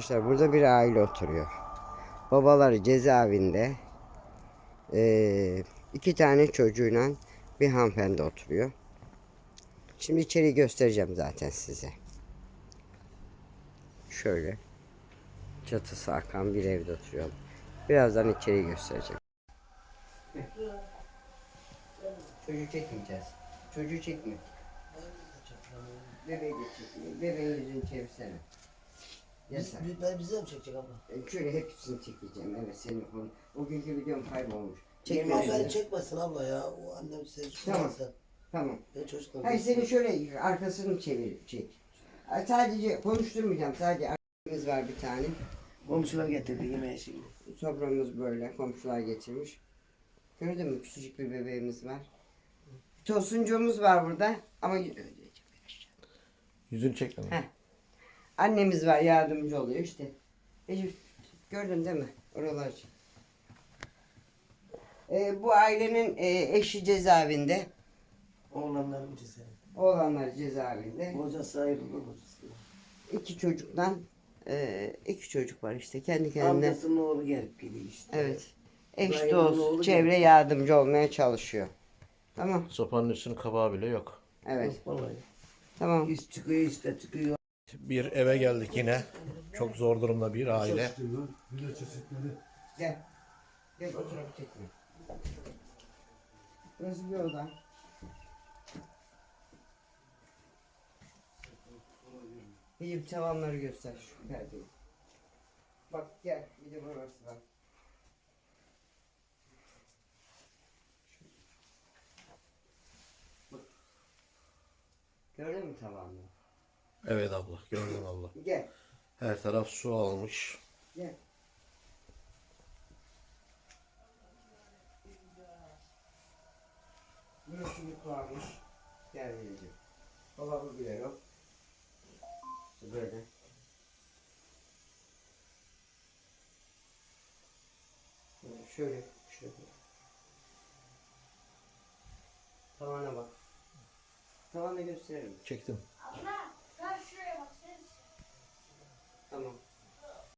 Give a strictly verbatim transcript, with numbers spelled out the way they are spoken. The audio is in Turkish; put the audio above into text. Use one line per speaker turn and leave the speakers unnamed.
Arkadaşlar burada bir aile oturuyor. Babaları cezaevinde. Ee, iki tane çocuğuyla bir hanımefendi oturuyor. Şimdi içeri göstereceğim zaten size. Şöyle çatısı akan bir evde oturuyorum. Birazdan içeri göstereceğim. Çocuğu çekmeyeceğiz. Çocuğu çekme. Bebeği de çekme. Bebeğin yüzünü çevirsene. Yasak.
Biz, ben bize mi çekecek abla?
E, Şöyle hepsini çekeceğim. Evet senin konu. O günkü videom kaybolmuş.
Çekme
Yemin
sen
ederim.
çekmesin abla ya. O annem seni
Tamam.
çekmezse.
Tamam.
Ben çocukla.
Hayır seni şöyle arkasını çevir çek. Sadece konuşturmayacağım. Sadece annemiz var bir tane.
Komşular getirdi yemeği şimdi.
Soframız böyle. Komşular getirmiş. Gördün mü? Küçücük bir bebeğimiz var. Tosuncuğumuz var burada. Ama
Yüzünü çekme.
Heh. Annemiz var, yardımcı oluyor işte. Ecif, gördün değil mi? Oralar. Ee, bu ailenin e, eşi cezaevinde.
Oğlanların cezaevinde.
Oğlanlar cezaevinde.
Kocası ayrıldı kocası.
İki çocuktan e, iki çocuk var işte kendi kendine.
Amcasının oğlu gelip gidiyor işte.
Evet. Eş
İbrahim'in
dost,
oğlu
çevre
geldi.
yardımcı olmaya çalışıyor. Tamam.
Sopanın üstünün kabağı bile yok.
Evet.
Vallahi.
Tamam.
Hiç çıkıyor işte çıkıyor.
Bir eve geldik yine. Çok zor durumda bir aile.
Gel. Gel oturup çekme. Burası bir oda. Bir tavanları göster şu perdeyi. Bak gel bir de burası var. Bak. Gördün mü tavanını?
Evet abla, gördüm abla.
Gel.
Her taraf su almış.
Gel. Burası mutfağımız. Gel vereceğim. Dolabı bile yok. İşte böyle. Böyle şöyle, şöyle. Tavana bak. Tavanı gösterelim.
Çektim.